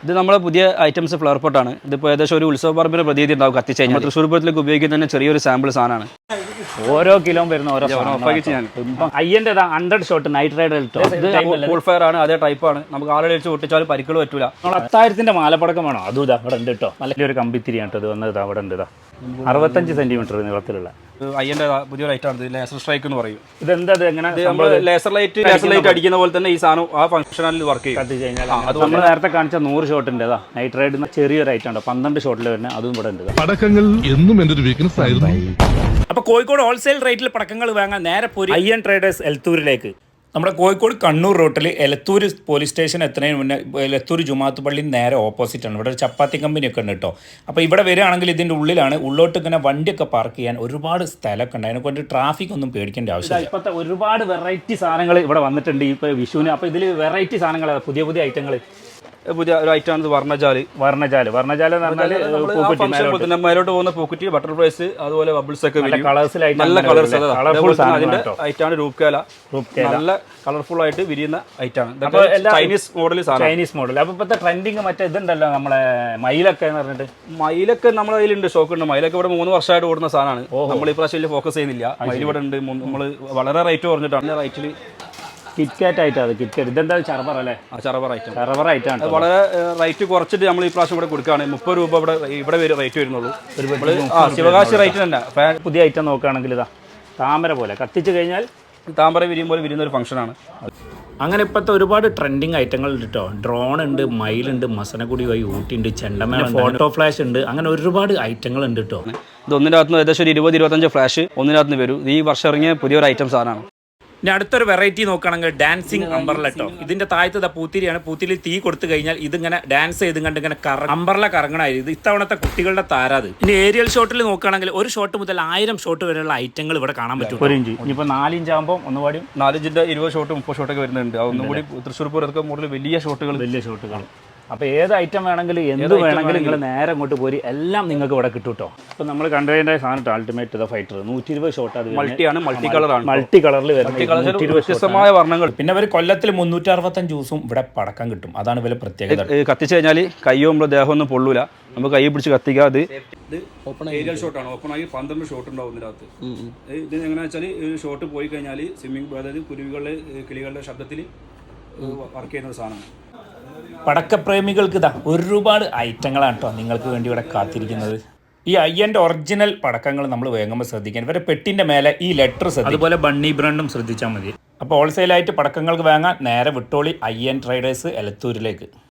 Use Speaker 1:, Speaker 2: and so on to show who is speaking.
Speaker 1: ഇത് നമ്മളെ പുതിയ ഐറ്റംസ് ഫ്ലവർ പോട്ടാണ്. ഇതിപ്പോൾ ഏകദേശം ഒരു ഉത്സവ പറമ്പിന് പ്രതീതി ഉണ്ടാവും കത്തിച്ച് കഴിഞ്ഞാൽ. തൃശ്ശൂർ പൂരത്തിലേക്ക് ഉപയോഗിക്കുന്ന തന്നെ ചെറിയൊരു സാമ്പിൾ സാധനമാണ്.
Speaker 2: ഓരോ കിലോ വരുന്ന ഓരോ അയ്യൻ്റെ 100 shot night ride
Speaker 1: full fire ആണ്, അതേ ടൈപ്പാണ്. നമുക്ക് ആളുടെ അടിച്ച് പൊട്ടിച്ചാലും പരിക്കുകൾ പറ്റൂല.
Speaker 2: നമ്മൾ 10,000 മാലപ്പടക്കം വേണോ? അതും ഇതാ ഇവിടെ ഉണ്ട് കേട്ടോ. നല്ലൊരു കമ്പിത്തിരിയാണ് ഇത് വന്നത്. അവിടെ ഉണ്ട് ഇതാ 65 സെന്റിമീറ്റർ നീളത്തിലുള്ള
Speaker 1: അയ്യൻ്റെ പുതിയൊരു ഐറ്റം ആണ്. ലേസർ സ്ട്രൈക്ക് എന്ന് പറയും.
Speaker 2: ഇതെന്താ എങ്ങനെ
Speaker 1: ലേസർ ലൈറ്റ് അടിക്കുന്ന പോലെ തന്നെ ഈ സാധനം ആ ഫംഗ്ഷനിൽ വർക്ക് ചെയ്യും.
Speaker 2: കത്തി കഴിഞ്ഞാൽ നമ്മൾ നേരത്തെ കാണിച്ച 100 ഷോട്ടിൻ്റെ നൈറ്റ് റൈഡ് ചെറിയൊരു ഐറ്റം ഉണ്ടോ 12 ഷോട്ടിൽ വരുന്നത് അതും ഇവിടെ ഉണ്ട്.
Speaker 3: പടക്കങ്ങൾ എന്നും എൻ്റെ ഒരു വീക്ക്നെസ് ആയിരുന്നു.
Speaker 2: അപ്പോൾ കോഴിക്കോട് ഹോൾസെയിൽ റേറ്റിൽ പടക്കങ്ങൾ വാങ്ങാൻ നേരെ പോരി അയ്യൻ ട്രേഡേഴ്സ് എലത്തൂരിലേക്ക്. നമ്മുടെ കോഴിക്കോട് കണ്ണൂർ റൂട്ടിൽ എലത്തൂർ പോലീസ് സ്റ്റേഷൻ എത്തുന്നതിന് മുന്നേ എലത്തൂർ ജുമാത്ത് പള്ളി നേരെ ഓപ്പോസിറ്റാണ്. ഇവിടെ ഒരു ചപ്പാത്തി കമ്പനിയൊക്കെ ഉണ്ട് കേട്ടോ. അപ്പോൾ ഇവിടെ വരികയാണെങ്കിൽ ഇതിൻ്റെ ഉള്ളിലാണ്. ഉള്ളോട്ട് ഇങ്ങനെ വണ്ടിയൊക്കെ പാർക്ക് ചെയ്യാൻ ഒരുപാട് സ്ഥലമൊക്കെ ഉണ്ട്. അതിനെക്കൊണ്ട് ട്രാഫിക് ഒന്നും പേടിക്കേണ്ട ആവശ്യമില്ല. ഇപ്പോഴത്തെ ഒരുപാട് വെറൈറ്റി സാധനങ്ങൾ ഇവിടെ വന്നിട്ടുണ്ട് ഇപ്പോൾ വിഷുവിന്. അപ്പോൾ ഇതിൽ വെറൈറ്റി സാധനങ്ങൾ പുതിയ പുതിയ ഐറ്റങ്ങൾ
Speaker 1: പുതിയ ഒരു ഐറ്റമാണ് വർണ്ണജാല് എന്ന് പറഞ്ഞാൽ മേലോട്ട് പോകുന്ന പോക്കറ്റ് ബട്ടർഫ്ലൈസ് അതുപോലെ ബബിൾസ് ഒക്കെ നല്ല കളേഴ്സ്. അതിന്റെ ഐറ്റാണ് രൂപകല. നല്ല കളർഫുൾ ആയിട്ട് വിരിയുന്ന ഐറ്റാണ്. Chinese model.
Speaker 2: അപ്പൊ ഇപ്പോഴത്തെ ട്രെൻഡിങ് മറ്റേ ഇതുണ്ടല്ലോ നമ്മളെ മയിലൊക്കെ എന്ന് പറഞ്ഞിട്ട്.
Speaker 1: മയിലൊക്കെ നമ്മുടെ കയ്യിലുണ്ട്, സ്റ്റോക്ക് ഉണ്ട്. മയിലൊക്കെ ഇവിടെ 3 വർഷമായിട്ട് ഓടുന്ന സാധനമാണ്. നമ്മൾ ഈ പ്രാവശ്യം ഫോക്കസ് ചെയ്യുന്നില്ല. മയിൽ ഇവിടെ ഉണ്ട്. നമ്മൾ വളരെ റേറ്റ് കുറഞ്ഞിട്ടാണ്. റേറ്റിൽ
Speaker 2: കിറ്റ്കാറ്റ് ആയിട്ടാണ്. കിറ്റ്കാറ്റ് ഇതെന്താ ചറബർ അല്ലേ?
Speaker 1: ചറബർ ഐറ്റാണ്. വളരെ റേറ്റ് കുറച്ചിട്ട് നമ്മൾ ഈ പ്രാവശ്യം ഇവിടെ കൊടുക്കുകയാണ്. 30 രൂപ ഇവിടെ റേറ്റ് വരുന്നുള്ളൂ. ശിവകാശി റേറ്റ് തന്നെ.
Speaker 2: പുതിയ ഐറ്റം നോക്കുകയാണെങ്കിൽ ഇതാ താമര പോലെ കത്തിച്ച് കഴിഞ്ഞാൽ
Speaker 1: താമര വിരിയും പോലെ വിരിയുന്ന ഒരു ഫംഗ്ഷനാണ്.
Speaker 2: അങ്ങനെ ഇപ്പോഴത്തെ ഒരുപാട് ട്രെൻഡിങ് ഐറ്റങ്ങൾ ഉണ്ട് കേട്ടോ. ഡ്രോൺ ഉണ്ട്, മയിലുണ്ട്, മസനഗുടി വഴി ഊട്ടിയുണ്ട്, ചെണ്ടമേള, ഫോട്ടോ ഫ്ലാഷ് ഉണ്ട്. അങ്ങനെ ഒരുപാട് ഐറ്റങ്ങൾ ഉണ്ട് കേട്ടോ.
Speaker 1: ഇത് ഒന്നിനകത്ത് ഏകദേശം ഒരു 20-25 ഫ്ലാഷ് ഒന്നിനകത്ത് വരും. ഈ വർഷം ഇറങ്ങിയ പുതിയൊരു ഐറ്റം സാധനമാണ്.
Speaker 2: ഇനി അടുത്തൊരു വെറൈറ്റി നോക്കുകയാണെങ്കിൽ ഡാൻസിങ് അംബർല കേട്ടോ. ഇതിന്റെ താഴത്തെ പൂത്തിരിയാണ്. പൂത്തിരി തീ കൊടുത്തു കഴിഞ്ഞാൽ ഇതിങ്ങനെ ഡാൻസ് ചെയ്ത് കണ്ട് ഇങ്ങനെ അംബർല കറങ്ങണായി. ഇത് ഇത്തവണത്തെ കുട്ടികളുടെ താരാത്. ഇനി ഏരിയൽ ഷോട്ടിൽ നോക്കുകയാണെങ്കിൽ ഒരു ഷോട്ട് മുതൽ 1000 ഷോട്ട് വരെയുള്ള ഐറ്റങ്ങൾ ഇവിടെ കാണാൻ പറ്റും. 1 ഇഞ്ച് ഇനിയിപ്പോൾ 4 ഇഞ്ച് ആകുമ്പോൾ ഒന്നുകൂടി
Speaker 1: 4 ഇഞ്ചിന്റെ 20 ഷോട്ട് 30 ഷോട്ടൊക്കെ വരുന്നുണ്ട്. ഒന്നും കൂടി തൃശ്ശൂർ പൂരത്തൊക്കെ കൂടുതൽ വലിയ ഷോട്ടുകൾ. അപ്പോൾ ഏത് ഐറ്റം വേണമെങ്കിലും എന്ത് വേണമെങ്കിലും നിങ്ങൾ നേരെ അങ്ങോട്ട് പോരി. എല്ലാം നിങ്ങൾക്ക് ഇവിടെ കിട്ടും കേട്ടോ. അപ്പോൾ നമ്മൾ കണ്ടതിൻ്റെ സാധനം അൾട്ടിമേറ്റ് ഫൈറ്റർ 120 ഷോട്ട്. അത് മൾട്ടി കളറാണ്.
Speaker 2: മൾട്ടി കളറിൽ വരുന്നത്
Speaker 1: വ്യത്യസ്തമായ വർണ്ണങ്ങൾ.
Speaker 2: പിന്നെ അവർ കൊല്ലത്തിൽ 365 ദിവസവും ഇവിടെ പടക്കം കിട്ടും. അതാണ് ഇവരെ പ്രത്യേകത.
Speaker 1: കത്തിച്ച് കഴിഞ്ഞാൽ കയ്യോ നമ്മളെ ദേഹമൊന്നും പൊള്ളൂല. നമുക്ക് കൈ പിടിച്ച് കത്തിക്കുക. ഇത് ഏരിയൽ ഷോട്ടാണ്. ഓപ്പണായി 12 ഷോട്ട് ഉണ്ടാവും ഇതിനകത്ത്. ഇത് എങ്ങനെയാ വെച്ചാൽ ഷോട്ട് പോയി കഴിഞ്ഞാൽ സ്വിമ്മിംഗ്, അതായത് കുരുവികളുടെ കിളികളുടെ ശബ്ദത്തിൽ വർക്ക് ചെയ്യുന്ന ഒരു സാധനമാണ്.
Speaker 2: പടക്കപ്രേമികൾക്ക് ഇതാ ഒരുപാട് ഐറ്റങ്ങളാണ് കേട്ടോ നിങ്ങൾക്ക് വേണ്ടി ഇവിടെ കാത്തിരിക്കുന്നത്. ഈ അയ്യൻ്റെ ഒറിജിനൽ പടക്കങ്ങൾ നമ്മൾ വാങ്ങുമ്പോൾ ശ്രദ്ധിക്കാൻ ഇവരെ പെട്ടിൻ്റെ മേലെ ഈ ലെറ്റർ അതുപോലെ ബണ്ണി ബ്രാൻഡും ശ്രദ്ധിച്ചാൽ മതി. അപ്പോൾ ഹോൾസെയിലായിട്ട് പടക്കങ്ങൾക്ക് വാങ്ങാൻ നേരെ വിട്ടോളി അയ്യൻ ട്രേഡേഴ്സ് എലത്തൂരിലേക്ക്.